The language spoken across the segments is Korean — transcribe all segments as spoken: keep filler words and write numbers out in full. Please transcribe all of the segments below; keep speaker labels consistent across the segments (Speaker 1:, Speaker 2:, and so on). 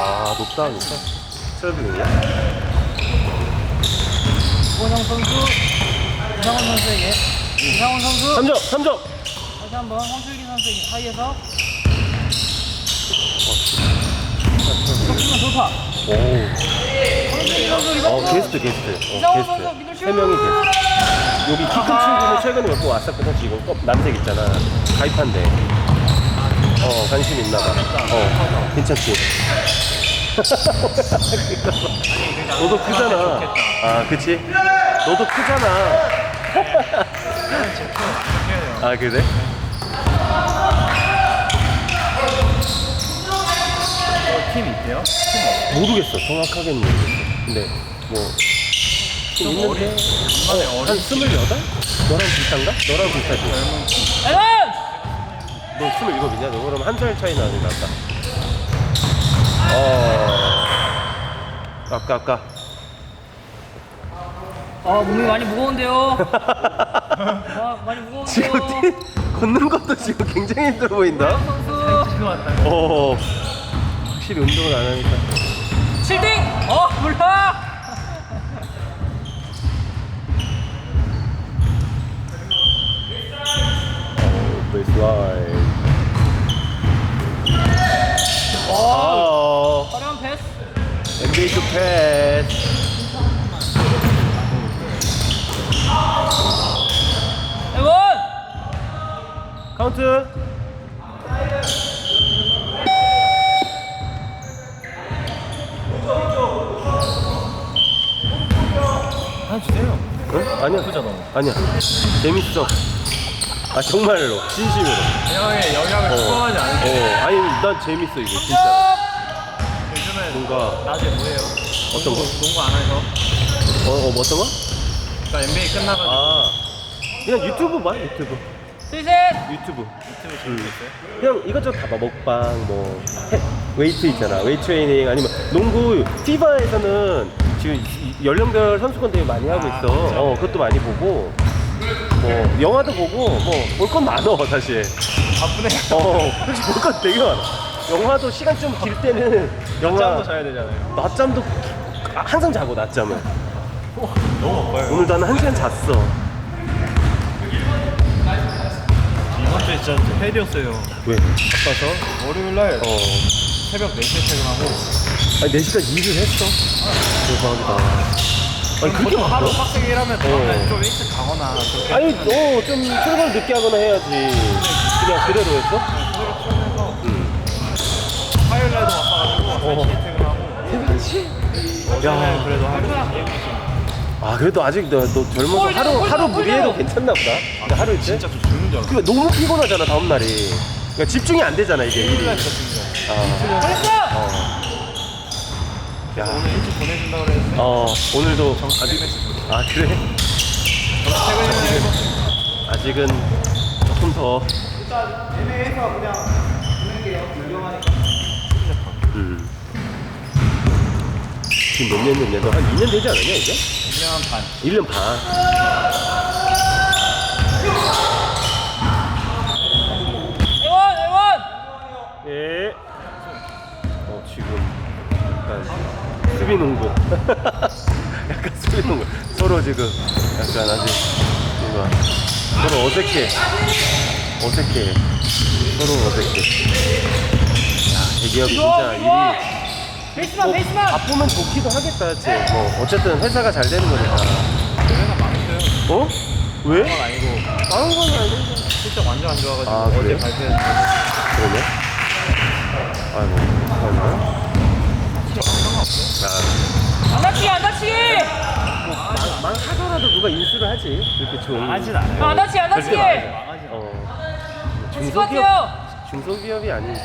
Speaker 1: 아, 높다, 높다. 트래블링이야?
Speaker 2: 이원영 선수, 이상원 선수에게. 이상원 선수.
Speaker 1: 삼 점, 삼 점!
Speaker 2: 다시 한번 황슬기 선수에게 사이에서. 덕분에 돌파.
Speaker 1: 오.
Speaker 2: 황슬기 선수
Speaker 1: 어,
Speaker 2: 리바운드.
Speaker 1: 게스트, 게스트. 어,
Speaker 2: 이상원 선수
Speaker 1: 게스트.
Speaker 2: 미들슛.
Speaker 1: 세 명이 게스트. 여기 키 큰 친구는 최근에 몇 번 왔었거든, 지금. 껍, 남색 있잖아. 가입한대. 어, 관심 있나 봐. 어, 괜찮지? 너도 크잖아. 아, 그치? 너도 크잖아. 아, 그래?
Speaker 2: 팀 있대요?
Speaker 1: 모르겠어. 정확하게는 모르겠어. 근데 뭐 좀 있는데 어, 한 스물여덟? 너랑 비슷한가? 너랑 비슷하지?
Speaker 2: 에런!
Speaker 1: 너 스물일곱이냐? 너 그럼 한 살 차이 나니까 아까 어... 아까 아까
Speaker 2: 아 몸이 많이 무거운데요. 아 많이 무거운데요.
Speaker 1: 지금 뛰, 걷는 것도 지금 굉장히 힘들어 보인다?
Speaker 2: 선수.
Speaker 1: 어... 확실히 운동을 안 하니까
Speaker 2: 칠 등! 어 몰라.
Speaker 1: 베이스라인
Speaker 2: 어
Speaker 1: 어...
Speaker 2: 화려한 패스.
Speaker 1: 엔비에이 투 패스
Speaker 2: 에원!
Speaker 1: 카운트
Speaker 2: 아 주세요.
Speaker 1: 응? 아니야
Speaker 2: 예쁘잖아.
Speaker 1: 아니야 재밌어 아 정말로 진심으로
Speaker 2: 형의 영향을
Speaker 1: 어.
Speaker 2: 추구하지 않을게.
Speaker 1: 어 아니 난 재밌어 이거 진짜
Speaker 2: 요즘에
Speaker 1: 뭔가
Speaker 2: 낮에 뭐해요?
Speaker 1: 어떤 거?
Speaker 2: 농구 안 해서.
Speaker 1: 어, 어 뭐 어떤 거?
Speaker 2: 그러니까 엔비에이 끝나가지고.
Speaker 1: 아 그냥 유튜브 봐 유튜브
Speaker 2: 셋!
Speaker 1: 유튜브
Speaker 2: 유튜브
Speaker 1: 재밌어요? 그냥 이것저것 다 봐 먹방 뭐 해, 웨이트 있잖아 웨이트 트레이닝 아니면 농구 피바에서는 지금 이- 연령별 선수권 대회 많이 하고 있어 어 그것도 많이 보고 뭐 영화도 보고 뭐 볼 건 많어 사실
Speaker 2: 바쁘네.
Speaker 1: 어 솔직히 볼 건 되게 많아 영화도 시간 좀 길 때는 영화
Speaker 2: 낮잠도 자야 되잖아요.
Speaker 1: 낮잠도 아, 항상 자고 낮잠은
Speaker 2: 너무 바빠요.
Speaker 1: 오늘도 한 한 시간 잤어
Speaker 2: 이번 주에 진짜 헬이었어요.
Speaker 1: 왜?
Speaker 2: 바빠서 월요일날
Speaker 1: 어
Speaker 2: 새벽 네 시에 퇴근하고
Speaker 1: 아니 네 시간 일을 했어 대박이다 아니 그렇게
Speaker 2: 보통 하루
Speaker 1: 바빠?
Speaker 2: 빡세게 일하면
Speaker 1: 어.
Speaker 2: 다음날 좀 일찍 가거나 그렇게
Speaker 1: 아니 너좀 출근을 늦게 하거나 해야지 그냥 그대로 했어?
Speaker 2: 그대로 출근해서
Speaker 1: 응
Speaker 2: 화요일날도 바빠가지고
Speaker 1: 어.
Speaker 2: 세 시에 퇴근하고 어제는
Speaker 1: 야.
Speaker 2: 그래도 하루
Speaker 1: 아 그래도 아직 너, 너 젊어서 하루 하루 무리해도 괜찮나 보다 근데 하루 이틀?
Speaker 2: 진짜 좀 죽는 줄 알았어.
Speaker 1: 그 너무 피곤하잖아 다음 날이 그러니까 집중이 안 되잖아 이게 일이
Speaker 2: 일요일날 진짜 죽는 줄 알았어.
Speaker 1: 아,
Speaker 2: 잘했어!
Speaker 1: 어. 야,
Speaker 2: 오늘 일찍 보내준다고 그랬는데
Speaker 1: 어 오늘도
Speaker 2: 정식
Speaker 1: 아직
Speaker 2: 메시지
Speaker 1: 아 그래?
Speaker 2: 퇴근이면
Speaker 1: 아직은 조금 더
Speaker 2: 애매해서 그냥 보내는 게 유용하니까
Speaker 1: 음. 지금 몇 년 됐냐? 너 한 이 년 되지 않았냐 이제?
Speaker 2: 일 년 반.
Speaker 1: 일 년 반.
Speaker 2: 애원! 애원!
Speaker 1: 예. 어 지금 약간 수비 농구. 약간 수비 농구. 서로 지금 약간 아직 뭔가 서로 어색해. 어색해. 서로 어색해. 야 대기업이 진짜 일이
Speaker 2: 베이스만
Speaker 1: 뭐
Speaker 2: 베이스만!
Speaker 1: 바쁘면 좋기도 하겠다, 그치? 뭐 어쨌든 회사가 잘 되는 거니까.
Speaker 2: 회사 망했어요.
Speaker 1: 어? 왜?
Speaker 2: 그건 아니고
Speaker 1: 다른 건 아닌데.
Speaker 2: 실적 완전 안 좋아가지고
Speaker 1: 아,
Speaker 2: 어제
Speaker 1: 그래요?
Speaker 2: 발표했는데
Speaker 1: 그러네. 아이고, 그러나?
Speaker 2: 안 다치게 안 다치게!
Speaker 1: 뭐, 망, 망하더라도 누가 인수를 하지. 이렇게 좋은.
Speaker 2: 하진 않아요. 안 다치게 안 다치게!
Speaker 1: 어.
Speaker 2: 다칠 것 같아요.
Speaker 1: 중소기업이 아니니까.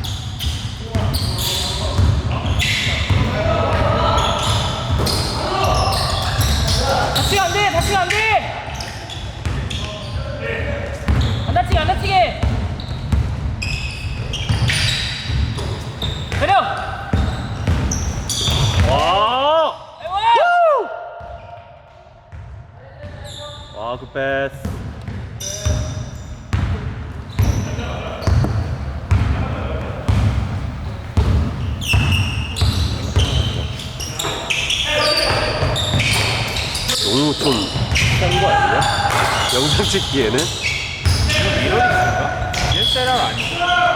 Speaker 2: 다치면 안 돼! 다치면 안 돼! 안 다치게 안 다치게! 내려!
Speaker 1: 와!
Speaker 2: 애원!
Speaker 1: 와, 그 패스. 너무 좀 싼 거 아니야? 영상 찍기에는?
Speaker 3: 미러리스인가? 디에스엘알 아니고.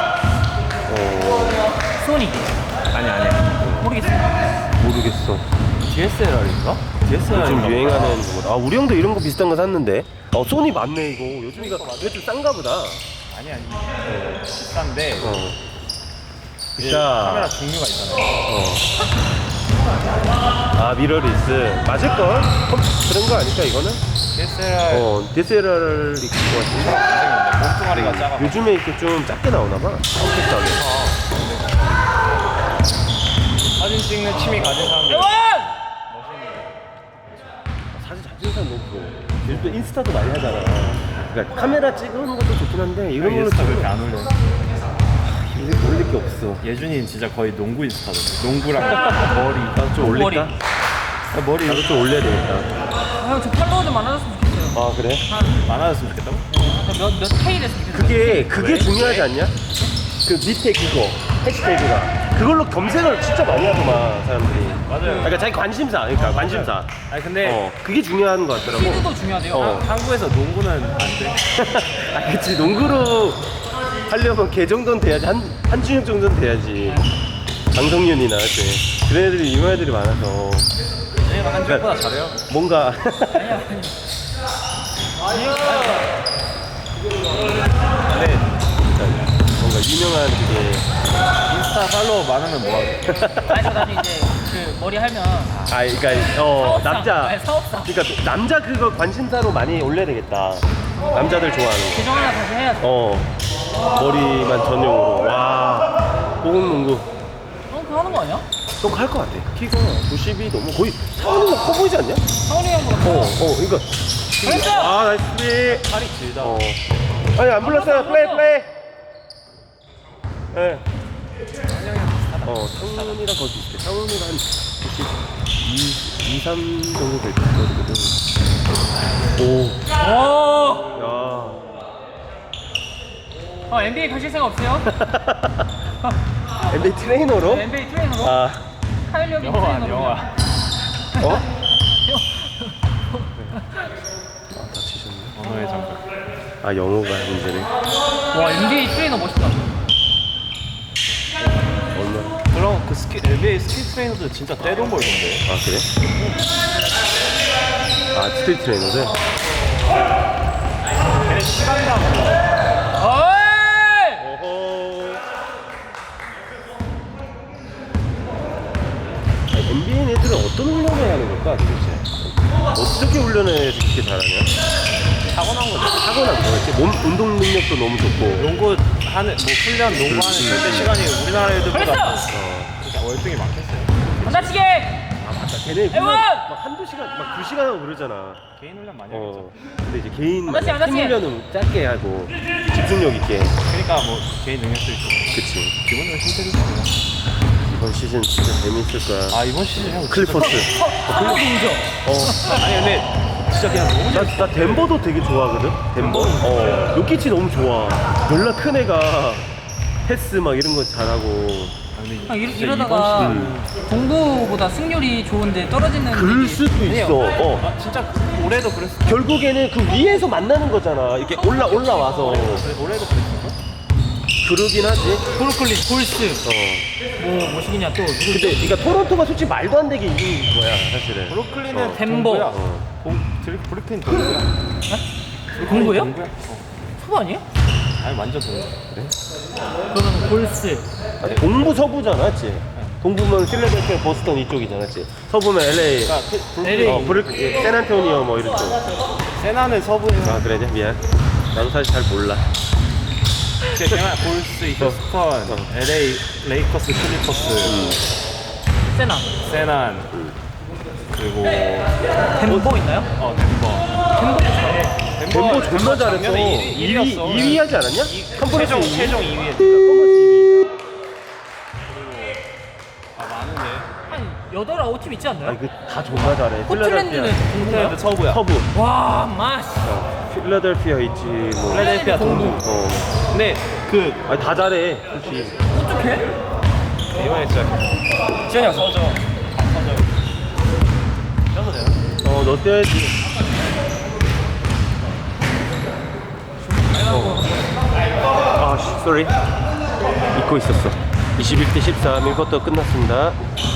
Speaker 1: 어
Speaker 2: 소니.
Speaker 3: 아니 아니.
Speaker 2: 모르겠어.
Speaker 1: 모르겠어.
Speaker 3: 디에스엘알인가? 디에스엘알
Speaker 1: 요즘 유행하는 거. 아 우리 형도 이런 거 비슷한 거 샀는데. 어 소니 맞네 이거. 요즘 이거 이거 좀 싼가 보다.
Speaker 3: 아니 아니. 어, 비싼데.
Speaker 1: 어.
Speaker 3: 이제
Speaker 1: 자.
Speaker 3: 카메라 종류가 있잖아요.
Speaker 1: 어. 아 미러리스 맞을걸? 어, 그런 거 아닐까 이거는?
Speaker 3: 디에스엘알
Speaker 1: 어 디에스엘알이 그거 같은데.
Speaker 3: 몸뚱아리가 작아.
Speaker 1: 요즘에 이렇게 좀 작게 나오나봐. 컴팩트하게.
Speaker 3: 사진 찍는 취미 가진 사람들.
Speaker 2: 대원!
Speaker 1: 사진 잘 찍는 사람 너무 부러워. 요즘 인스타도 많이 하잖아. 그러니까 카메라 찍는 것도 좋긴 한데 이런 걸로
Speaker 3: 인스타 왜
Speaker 1: 찍으면
Speaker 3: 이렇게 안 올려?
Speaker 1: 이렇게 올릴 게 없어.
Speaker 3: 예준이는 진짜 거의 농구 인스타거든. 농구랑 머리.
Speaker 1: 나도 좀
Speaker 2: 머리.
Speaker 1: 올릴까?
Speaker 3: 아, 머리
Speaker 1: 나도 좀 올려야 되겠다.
Speaker 2: 아, 형, 저 팔로워 좀 많아졌으면 좋겠어요.
Speaker 1: 아 그래?
Speaker 3: 많아졌으면 좋겠다고?
Speaker 2: 몇, 몇 K 됐으면 좋겠어요.
Speaker 1: 그게 그게
Speaker 3: 왜?
Speaker 1: 중요하지 않냐? 그 밑에 그거 해시태그가 그걸로 검색을 진짜 많이 하더만 사람들이.
Speaker 3: 맞아요.
Speaker 1: 그러니까 자기 관심사, 그러니까
Speaker 3: 맞아요.
Speaker 1: 관심사.
Speaker 3: 아니 근데
Speaker 1: 어 그게 중요한 것 같더라고.
Speaker 2: 피드도 중요하대요.
Speaker 1: 어.
Speaker 3: 한국에서 농구는 안 돼.
Speaker 1: 아 그치 농구로 하려면 걔 정도는 돼야지 한 한준혁 정도는 돼야지. 강성윤이나 그치. 그런 애들이 유명 애들이 많아서
Speaker 3: 얘가 한국보다 잘해요.
Speaker 1: 뭔가
Speaker 2: 아니야, 아니야.
Speaker 3: 근데
Speaker 1: 뭔가 유명한 그게
Speaker 3: 인스타 팔로워 많으면 뭐하게?
Speaker 2: 아니, 저 나중에 이제 그 머리 하면.
Speaker 1: 아 그러니까 어
Speaker 2: 사업상.
Speaker 1: 남자
Speaker 2: 아니, 사업상.
Speaker 1: 그러니까 남자 그거 관심사로 많이 올려야 되겠다. 남자들 좋아하는 거.
Speaker 2: 계정 하나 다시 해야지.
Speaker 1: 어 머리만 전용으로 와 고공농구
Speaker 2: 형, 그거 하는 거 아니야?
Speaker 1: 꼭 할 것 같아. 키가 구십이 넘어 거의 상원이가 커 보이지 않냐?
Speaker 2: 상훈이 형보다
Speaker 1: 어,
Speaker 2: 커.
Speaker 1: 어, 이거.
Speaker 2: 잘했어!
Speaker 1: 아, 나이스 플레이.
Speaker 3: 팔이 길다.
Speaker 1: 어. 아니, 안 불렀어요.
Speaker 2: 안
Speaker 1: 플레이,
Speaker 2: 불렀어.
Speaker 1: 플레이. 예. 어, 상훈이랑 거의 비슷해. 상훈이가 한 구십이, 삼 정도 될 거거든. 오.
Speaker 2: 오!
Speaker 1: 야.
Speaker 2: 어, 엔비에이 가실 생각 없어요?
Speaker 1: 엔비에이 트레이너로?
Speaker 2: 엔비에이 트레이너로?
Speaker 1: 아,
Speaker 2: 타일력이
Speaker 3: 영화
Speaker 2: 트레이너로.
Speaker 3: 영화.
Speaker 1: 어? 아, 다치셨네.
Speaker 3: 언어의 장벽.
Speaker 1: 아, 영어가 문제네.
Speaker 2: 와, 엔비에이 트레이너 멋있다.
Speaker 1: 얼마나.
Speaker 3: 그럼 그 스키 엘비에이 스키 트레이너들 진짜 떼돈 벌던데.
Speaker 1: 아, 그래? 아, 스트리트 트레이너들?
Speaker 3: 걔네 시간당
Speaker 2: 어이!
Speaker 1: 어허. 엔비에이 애들은 어떤 훈련을 하는 걸까 도대체? 어떻게 훈련을 해서 그렇게 잘하냐?
Speaker 3: 타고난 거죠.
Speaker 1: 타고난 거겠지. 몸 운동 능력도 너무 좋고.
Speaker 3: 농구 하는 뭐 훈련 농구하는 절대 시간이 우리나라 애들보다
Speaker 2: 벌써!
Speaker 1: 어.
Speaker 3: 진짜 월등히 많겠어요.
Speaker 2: 안 다치게!
Speaker 1: 아 맞다. 걔네 훈련
Speaker 2: 애원!
Speaker 1: 막 한두 시간, 막 두 시간 하고 그러잖아.
Speaker 3: 개인 훈련 많이
Speaker 1: 어.
Speaker 3: 하겠죠.
Speaker 1: 근데 이제 개인
Speaker 2: 안 다치, 안
Speaker 1: 팀
Speaker 2: 다치.
Speaker 1: 훈련은 짧게 하고 집중력 있게.
Speaker 3: 그러니까 뭐 개인 능력도 있고
Speaker 1: 그치.
Speaker 3: 기본적으로 힘들지.
Speaker 1: 이번 시즌 진짜 재밌을 거야.
Speaker 3: 아 이번 시즌 형
Speaker 1: 클리퍼스.
Speaker 2: 한국 동조.
Speaker 1: 어.
Speaker 3: 아니 근데 진짜 그냥 너무
Speaker 1: 나, 나 덴버도 되게 좋아하거든. 덴버. 어. 요키치 너무 좋아. 연락 큰 애가 패스 막 이런 거 잘하고.
Speaker 3: 아, 근데
Speaker 2: 아, 이러,
Speaker 3: 진짜
Speaker 2: 이러다가
Speaker 1: 음.
Speaker 2: 동부보다 승률이 좋은데 떨어지는
Speaker 1: 그럴
Speaker 2: 일이-
Speaker 1: 수도 있어.
Speaker 3: 이번-
Speaker 1: 어.
Speaker 3: 아 진짜 올해도 그랬어.
Speaker 1: 결국에는 그 위에서 만나는 거잖아. 이렇게 올라 올라와서.
Speaker 3: 올해도 그랬어.
Speaker 1: 그러긴 하지.
Speaker 2: 브루클린, 골스,
Speaker 1: 어.
Speaker 2: 뭐, 뭐시기냐 또 누구
Speaker 1: 근데 그러니까 토론토가 솔직히 말도 안 되게 이긴 거야, 사실은.
Speaker 3: 브루클린은
Speaker 1: 어.
Speaker 2: 덴버.
Speaker 3: 동부야.
Speaker 1: 어.
Speaker 3: 동- 들- 브루클린 동부야.
Speaker 2: 동부예요?
Speaker 3: 동부야? 어.
Speaker 2: 서부 아니에요?
Speaker 3: 아니 완전 동부.
Speaker 2: 그러면 골스.
Speaker 1: 아, 동부 서부잖아, 맞지? 동부면 필라델피아, 보스턴 이쪽이잖아, 맞지? 서부면 엘에이,
Speaker 3: 그러니까 그 브루클린
Speaker 2: 엘에이.
Speaker 1: 어, 브르, 샌안토니오 뭐 이런 쪽.
Speaker 3: 세나는 서부에서
Speaker 1: 아, 그래, 미안. 나도 사실 잘 몰라.
Speaker 3: 세나 골스, 휴스턴, 엘에이, 레이커스, 클리퍼스,
Speaker 2: 세나.
Speaker 3: 세난 그리고
Speaker 2: 덴버 있나요?
Speaker 3: 어 덴버.
Speaker 2: 덴버.
Speaker 1: 덴버 존나 잘했어.
Speaker 3: 작년에
Speaker 1: 이
Speaker 3: 일 위,
Speaker 1: 위,
Speaker 3: 일위였어.
Speaker 1: 이 위 하지 않았냐? 컨퍼런스
Speaker 3: 최종
Speaker 1: 이 위.
Speaker 3: 최종 이 위.
Speaker 1: 컨퍼런스 이 위.
Speaker 3: 아 많은데.
Speaker 2: 한 여덟 아홉 팀 있지 않나요?
Speaker 1: 아니, 그 다 존나 잘해.
Speaker 2: 포틀랜드는
Speaker 1: 필라델피아,
Speaker 2: 동부인가요?
Speaker 3: 포틀랜드 서부야.
Speaker 1: 서부.
Speaker 2: 와, 마씨.
Speaker 1: 어, 필라델피아 있지, 뭐.
Speaker 3: 필라델피아 동부.
Speaker 1: 어.
Speaker 3: 근데 그
Speaker 1: 아니, 다 잘해, 솔직히.
Speaker 2: 어떡해?
Speaker 3: 이번에 진짜
Speaker 2: 지현이 형.
Speaker 3: 서져. 서져. 써도 돼요?
Speaker 1: 어, 너 뛰어야지. 어. 아, 씨, 쏘리. 잊고 있었어. 이십일 대 십삼, 일 쿼터 끝났습니다.